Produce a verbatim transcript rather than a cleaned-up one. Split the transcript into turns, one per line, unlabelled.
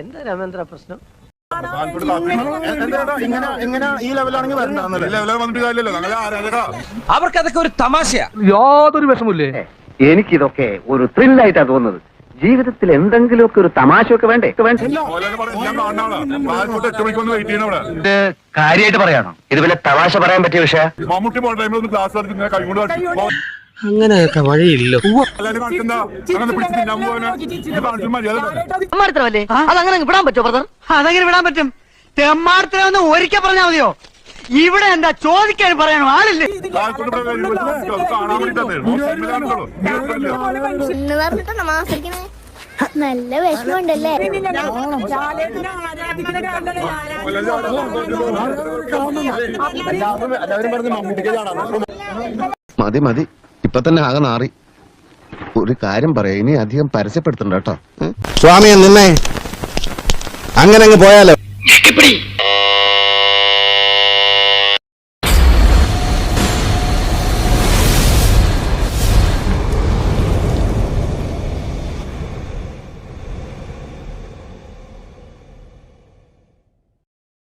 എന്താ രാമേന്ദ്ര പ്രശ്നം?
അവർക്കതൊക്കെ ഒരു തമാശയാ.
യാതൊരു വിഷമില്ലേ.
എനിക്കിതൊക്കെ ഒരു ത്രില്ലായിട്ടാ തോന്നുന്നത്. ജീവിതത്തിൽ എന്തെങ്കിലുമൊക്കെ ഒരു തമാശയൊക്കെ വേണ്ടേ വേണ്ട കാര്യമായിട്ട് പറയാണോ? ഇത് വല്ല തമാശ പറയാൻ പറ്റിയ വിഷയം.
അങ്ങനെയൊക്കെ വഴിയില്ലോ.
അതങ്ങനെ വിടാൻ പറ്റുമോ ബ്രദർ? അതങ്ങനെ വിടാൻ പറ്റും. തെമ്മാർത്തരൊന്ന് ഒരിക്കൽ പറഞ്ഞാൽ മതിയോ? ഇവിടെ എന്താ ചോദിക്കാൻ പറയാനോ ആളില്ലേ?
നല്ല വിഷമമുണ്ടല്ലേ?
മതി മതി, ഇപ്പൊ തന്നെ ആകെ നാറി. ഒരു കാര്യം പറയാം, ഇനി അധികം പരസ്യപ്പെടുത്തണ്ട കേട്ടോ.
സ്വാമിയെ നിന്നെ അങ്ങനെ അങ്ങ് പോയാലോ.